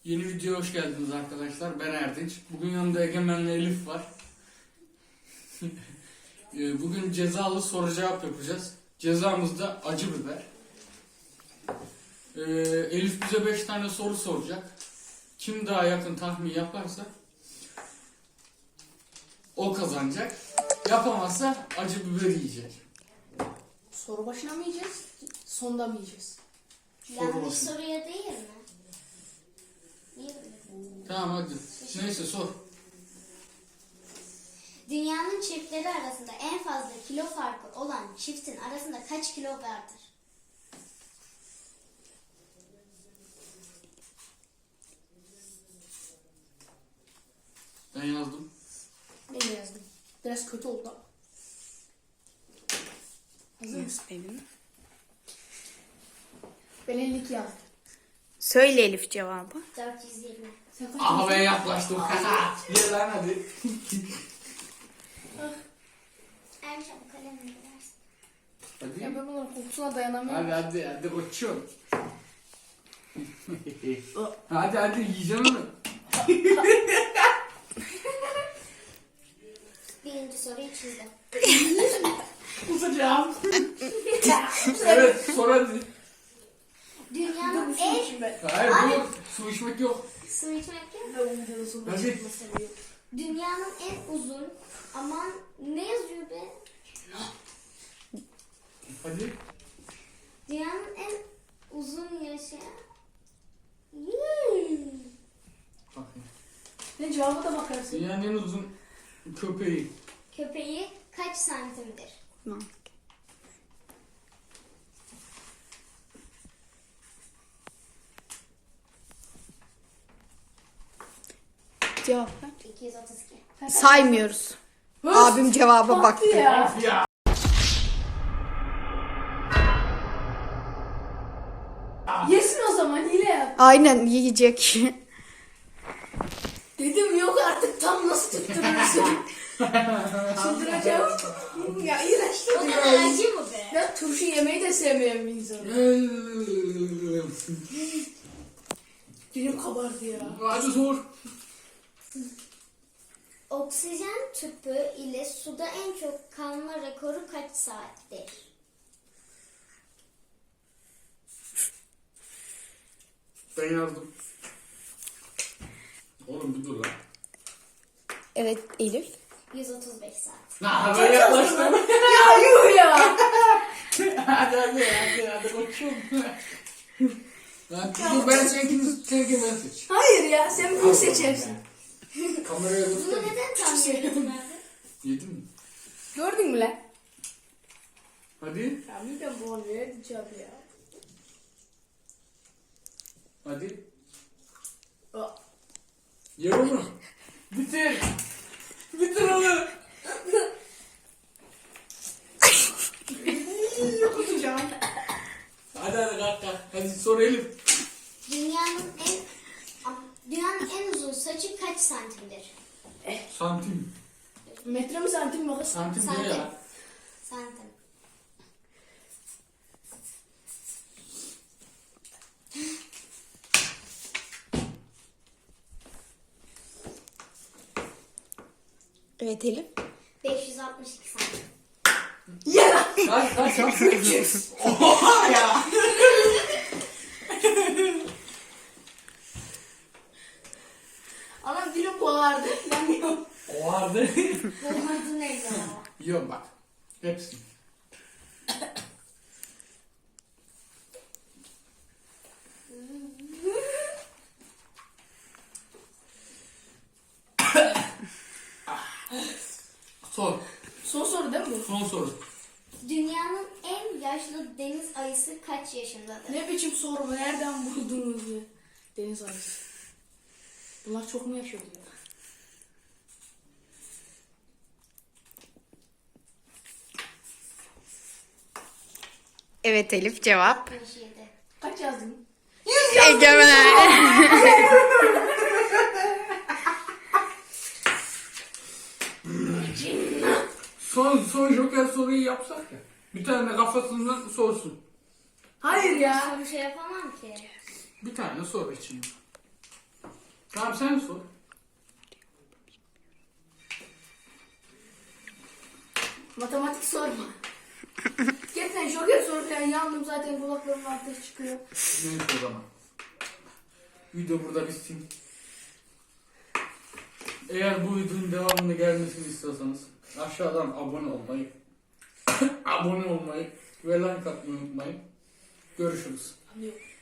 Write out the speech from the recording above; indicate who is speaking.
Speaker 1: Yeni videoya hoş geldiniz arkadaşlar. Ben Erdinç. Bugün yanımda Egemen'le Elif var. Bugün cezalı soru cevap yapacağız. Cezamız da acı biber. Elif bize 5 tane soru soracak. Kim daha yakın tahmin yaparsa o kazanacak. Yapamazsa acı biber yiyecek.
Speaker 2: Soru başına mı yiyeceğiz? Sonda mı yiyeceğiz?
Speaker 3: Yanlış soruya değil mi? Niye böyle?
Speaker 1: Tamam hadi. Neyse sor.
Speaker 3: Dünyanın çiftleri arasında en fazla kilo farkı olan çiftin arasında kaç kilo vardır?
Speaker 1: Ben yazdım.
Speaker 2: Ben de yazdım. Biraz kötü oldu ama. Hazır mısın? Ben 52 yazdım.
Speaker 4: Söyle Elif cevabı.
Speaker 3: 420.
Speaker 2: Sen kaç
Speaker 1: Aha
Speaker 2: yazdın?
Speaker 1: ben yaklaştım. Gel lan hadi.
Speaker 3: En çabuk kalemini versin.
Speaker 1: Hadi.
Speaker 2: Ya ben bunların kokusuna dayanamıyorum.
Speaker 1: Hadi koçum. hadi yiyeceğim onu.
Speaker 3: Birinci soruyu çizdim.
Speaker 1: Kusacağım. Evet sor hadi.
Speaker 3: Dünyanın
Speaker 2: Su
Speaker 3: en...
Speaker 2: içeyim ben.
Speaker 1: Hayır dur. Su içmek yok.
Speaker 3: Su içmek yok.
Speaker 2: Ben bu videoda su
Speaker 1: Hadi.
Speaker 2: içmeyi seviyorum.
Speaker 3: Dünyanın en uzun... Aman ne yazıyor be?
Speaker 1: Hadi.
Speaker 3: Dünyanın en uzun yaşayan...
Speaker 1: Bakayım.
Speaker 2: Ne cevaba da bakarsın.
Speaker 1: Dünyanın en uzun köpeği.
Speaker 3: Köpeği kaç santimdir?
Speaker 4: Cevap ver.
Speaker 3: 232.
Speaker 4: Saymıyoruz. Abim cevaba baktı.
Speaker 2: Ya.
Speaker 1: Of ya.
Speaker 2: Yesin o zaman hile yap.
Speaker 4: Aynen yiyecek.
Speaker 2: Dedim yok artık tam nasıl tutturursun. Çıldıracağım. Ya iğrenç
Speaker 3: O
Speaker 2: tadı
Speaker 3: kadar
Speaker 2: ya.
Speaker 3: acı mı be?
Speaker 2: Ben turşu yemeyi de sevmeyen bir insanım. Dilim kabardı ya.
Speaker 1: Hadi sor.
Speaker 3: Oksijen tüpü ile suda en çok kalma rekoru kaç saattir?
Speaker 1: Ben yazdım. Oğlum bir dur lan.
Speaker 4: Evet Elif.
Speaker 3: 135 saat.
Speaker 1: Nah ben yaklaştım.
Speaker 2: Ya yuh ya.
Speaker 1: hadi koçum. Lan dur ben seninkini ben seç.
Speaker 2: Hayır ya sen bunu seçersin.
Speaker 1: Kameraya
Speaker 3: Bunu
Speaker 1: göster.
Speaker 3: neden tahmin ettin abi?
Speaker 1: Yedin mi?
Speaker 2: Gördün mü lan?
Speaker 1: Hadi.
Speaker 2: Ya bir de bu oluyor diyeceğim ya.
Speaker 1: Hadi.
Speaker 2: Aa.
Speaker 1: Ye onu. Bitir. Bitir onu.
Speaker 2: Kusacağım.
Speaker 1: Hadi kalk. Hadi sor Elif.
Speaker 3: Dünyanın en uzun saçı kaç santimdir?
Speaker 1: Santim.
Speaker 2: Metre mi santim mi kız?
Speaker 1: Santim
Speaker 3: Santim.
Speaker 1: ne ya?
Speaker 3: Santim.
Speaker 4: Evet Elif.
Speaker 3: 562 santim.
Speaker 2: Ya.
Speaker 1: Kaç. Oha ya.
Speaker 2: Anam dilim boğardı. Yanıyorum.
Speaker 1: O vardı.
Speaker 3: Bulmadı neydi o?
Speaker 1: Yiyorum bak. Hepsi. Sor.
Speaker 2: Son soru değil mi bu?
Speaker 1: Son soru.
Speaker 3: Dünyanın en yaşlı deniz ayısı kaç yaşındadır?
Speaker 2: Ne biçim soru bu? Nereden buldunuz ya? Deniz ayısı. Bunlar çok mu yaşıyor diyor.
Speaker 4: Evet Elif cevap.
Speaker 3: 67.
Speaker 2: Kaç yazdın?
Speaker 4: Egemen.
Speaker 1: Son joker soruyu yapsak ya. Bir tane kafasından sorsun.
Speaker 2: Hayır ya.
Speaker 3: Son bir şey yapamam ki.
Speaker 1: Bir tane sor için. Tamam sen sor.
Speaker 2: Matematik sorma. Gerçekten joker soru falan yandım zaten kulaklarımın ateş çıkıyor.
Speaker 1: Neyse o zaman. Video burada bitsin. Eğer bu videonun devamını gelmesini istiyorsanız aşağıdan abone olmayı abone olmayı ve like atmayı unutmayın. Görüşürüz.
Speaker 2: Anlıyorum.